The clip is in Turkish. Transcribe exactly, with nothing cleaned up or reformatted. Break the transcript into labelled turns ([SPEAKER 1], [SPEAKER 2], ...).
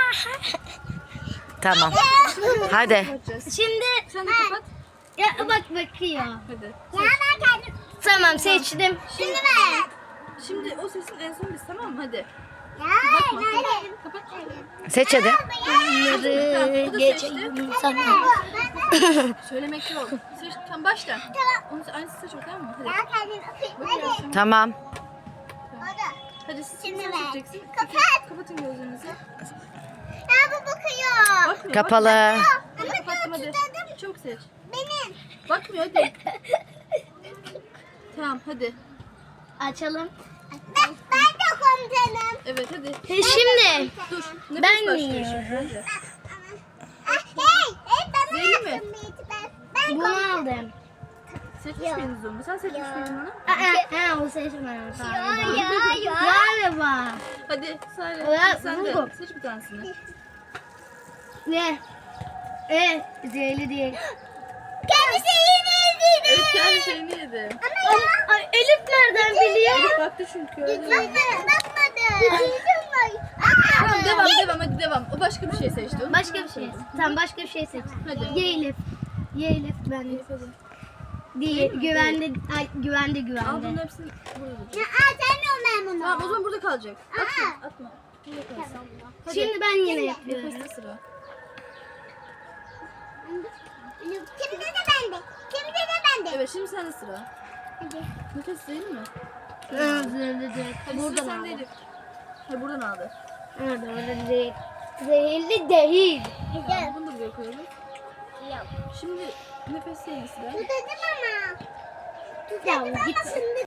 [SPEAKER 1] Tamam. Hadi.
[SPEAKER 2] Şimdi
[SPEAKER 3] Sen de kapat.
[SPEAKER 2] ya bak bakıyor.
[SPEAKER 3] Hadi.
[SPEAKER 2] Ya ben kendim. Tamam seçtim. Şimdi ben.
[SPEAKER 3] Şimdi o sesin en son biz, tamam mı? Hadi.
[SPEAKER 2] Ya
[SPEAKER 3] Bakma. Kapat.
[SPEAKER 1] Seç hadi.
[SPEAKER 2] bunları geçeyim sana.
[SPEAKER 3] Söylemek yok. Seç, tam başla. Onu aynısı seç o, tamam mı? Hadi.
[SPEAKER 2] Ya kendim.
[SPEAKER 3] Bakıyorsun.
[SPEAKER 1] Tamam.
[SPEAKER 3] Hadi siz
[SPEAKER 2] Şimdi
[SPEAKER 3] sen
[SPEAKER 2] ben.
[SPEAKER 3] seçeceksin.
[SPEAKER 2] Kapat.
[SPEAKER 3] Kapatın gözlerinizi.
[SPEAKER 2] Ya bu bakıyor.
[SPEAKER 3] Bakmıyor.
[SPEAKER 1] Kapalı.
[SPEAKER 3] Hadi kapattım hadi. Çok seç.
[SPEAKER 2] Benim.
[SPEAKER 3] Bakmıyor hadi. Tamam hadi.
[SPEAKER 2] Açalım. Ben, ben de komutanım.
[SPEAKER 3] Evet hadi.
[SPEAKER 2] Şimdi
[SPEAKER 3] Dur. Nefes
[SPEAKER 2] Ben
[SPEAKER 3] başlıyor
[SPEAKER 2] yiyorum.
[SPEAKER 3] şimdi. Hadi.
[SPEAKER 2] hey, hey bana
[SPEAKER 3] Zeyli mi?
[SPEAKER 2] yaptın bir ben. Ben bunu aldım.
[SPEAKER 3] Seçmiş miydiniz onu? Sen seçmiş miydin onu?
[SPEAKER 2] Aa, ha o seçmem. Ya ya ya. Galiba.
[SPEAKER 3] Hadi Sare.
[SPEAKER 2] Evet,
[SPEAKER 3] Sen de
[SPEAKER 2] bu.
[SPEAKER 3] seç bir tanesini.
[SPEAKER 2] Ne? E, zehirli değil. Kendi şeyini yedi.
[SPEAKER 3] Evet, kendi şeyini yedi.
[SPEAKER 2] Ama ya. Ay, Elif nereden biliyor?
[SPEAKER 3] Baktı çünkü.
[SPEAKER 2] Bakmadı. Bakmadı.
[SPEAKER 3] Tamam devam devam hadi devam. O başka bir şey seçti. Onu
[SPEAKER 2] Başka bir şey. Tamam başka bir şey seç.
[SPEAKER 3] Hadi.
[SPEAKER 2] Ye Elif. Ye Elif ben de.
[SPEAKER 3] Elif, hadi.
[SPEAKER 2] Değil.
[SPEAKER 3] mi?
[SPEAKER 2] Güvende. Ay, güvende
[SPEAKER 3] Al
[SPEAKER 2] güvende.
[SPEAKER 3] bunun hepsini buraya koyacağım.
[SPEAKER 2] Ya atamıyorum ben bunu.
[SPEAKER 3] Tamam o zaman burada kalacak. Atma. Atma. Burada kalsın. Hadi.
[SPEAKER 2] Şimdi ben yine yapıyorum.
[SPEAKER 3] Nefeste sıra.
[SPEAKER 2] Kimde de bende. Kimde de bende.
[SPEAKER 3] Evet şimdi sende sıra.
[SPEAKER 2] Hadi.
[SPEAKER 3] Nefes değil mi?
[SPEAKER 2] Zehirli değil.
[SPEAKER 3] Hadi
[SPEAKER 2] Buradan
[SPEAKER 3] sıra
[SPEAKER 2] aldım.
[SPEAKER 3] sende Elif. Hayır buradan aldı.
[SPEAKER 2] Evet, oradan değil. Zehirli değil.
[SPEAKER 3] Tamam, bunu da buraya koyalım. Şimdi nefes değil sıra.
[SPEAKER 2] Tutadım ama. Ya git.